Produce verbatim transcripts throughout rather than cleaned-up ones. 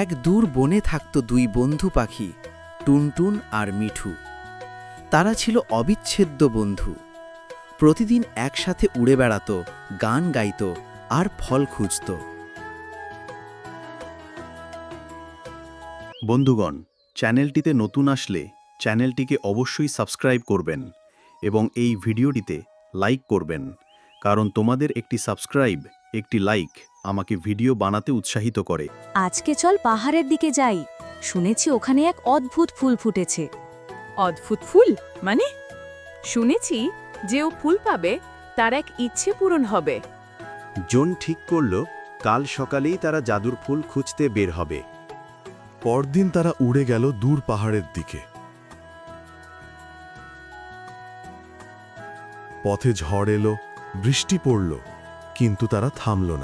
এক দূর বনে থাকত দুই বন্ধু পাখি, টুনটুন আর মিঠু। তারা ছিল অবিচ্ছেদ্য বন্ধু। প্রতিদিন একসাথে উড়ে বেড়াত, গান গাইত আর ফল খুঁজত। বন্ধুগণ, চ্যানেলটিতে নতুন আসলে চ্যানেলটিকে অবশ্যই সাবস্ক্রাইব করবেন এবং এই ভিডিওটিতে লাইক করবেন, কারণ তোমাদের একটি সাবস্ক্রাইব, একটি লাইক আমাকে ভিডিও বানাতে উৎসাহিত করে। আজকে চল পাহাড়ের দিকে যাই। শুনেছি ওখানে এক অদ্ভুত ফুল ফুটেছে। অদ্ভুত ফুল মানে? শুনেছি যে ও ফুল পাবে তার এক ইচ্ছে পূরণ হবে। জন ঠিক করল কাল সকালেই তারা জাদুর ফুল খুঁজতে বের হবে। পরদিন তারা উড়ে গেল দূর পাহাড়ের দিকে। পথে ঝড় এলো, বৃষ্টি পড়ল, কিন্তু তারা থামল না।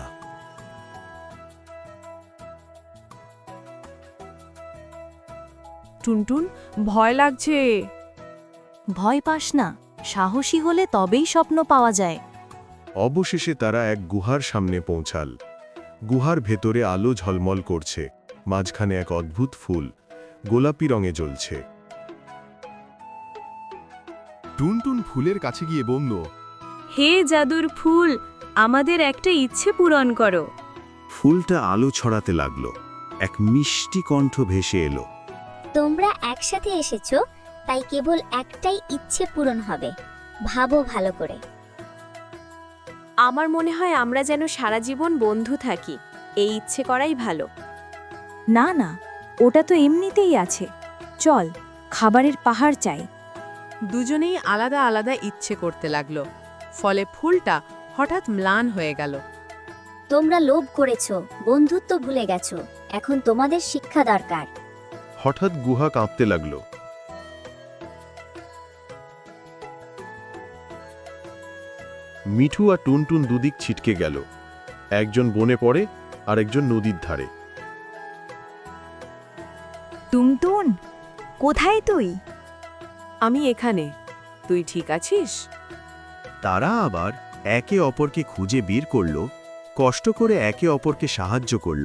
টুনটুন, ভয় লাগছে। ভয় পাস না, সাহসী হলে তবেই স্বপ্ন পাওয়া যায়। অবশেষে তারা এক গুহার সামনে পৌঁছাল। গুহার ভেতরে আলো ঝলমল করছে, মাঝখানে এক অদ্ভুত ফুল গোলাপি রঙে জ্বলছে। টুনটুন ফুলের কাছে গিয়ে বলল, হে জাদুর ফুল, আমাদের একটা ইচ্ছে পূরণ করো। ফুলটা আলো ছড়াতে লাগলো। এক মিষ্টি কণ্ঠ ভেসে এলো। তোমরা একসাথে এসেছো, তাই কেবল একটাই ইচ্ছে পূরণ হবে। ভাবো ভালো করে। আমার মনে হয় আমরা যেন সারা জীবন বন্ধু থাকি। এই ইচ্ছে করাই ভালো। না না, ওটা তো এমনিতেই আছে। চল, খাবারের পাহাড় চাই। দুজনেই আলাদা আলাদা ইচ্ছে করতে লাগলো। ফলে ফুলটা হঠাৎ ম্লান হয়ে গেল। তোমরা লোভ করেছো, বন্ধুত্ব ভুলে গেছো। এখন তোমাদের শিক্ষা দরকার। হঠাৎ গুহা কাঁপতে লাগল। মিঠু আর টুনটুন দুদিক ছিটকে গেল। একজন বনে পড়ে আর একজন নদীর ধারে। টুনটুন, কোথায় তুই? আমি এখানে। তুই ঠিক আছিস? তারা আবার একে অপরকে খুঁজে বের করল, কষ্ট করে একে অপরকে সাহায্য করল।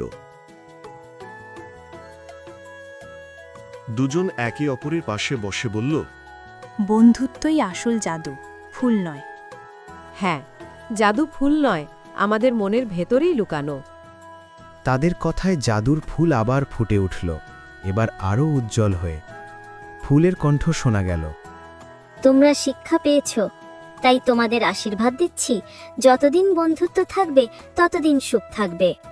দুজন একে অপরের পাশে বসে বলল, বন্ধুত্বই আসল জাদু, ফুল নয়। হ্যাঁ, জাদু ফুল নয়, আমাদের মনের ভেতরেই লুকানো। তাদের কথায় জাদুর ফুল আবার ফুটে উঠল, এবার আরও উজ্জ্বল হয়ে। ফুলের কণ্ঠ শোনা গেল, তোমরা শিক্ষা পেয়েছো, তাই তোমাদের আশীর্বাদ দিচ্ছি। যতদিন বন্ধুত্ব থাকবে ততদিন সুখ থাকবে।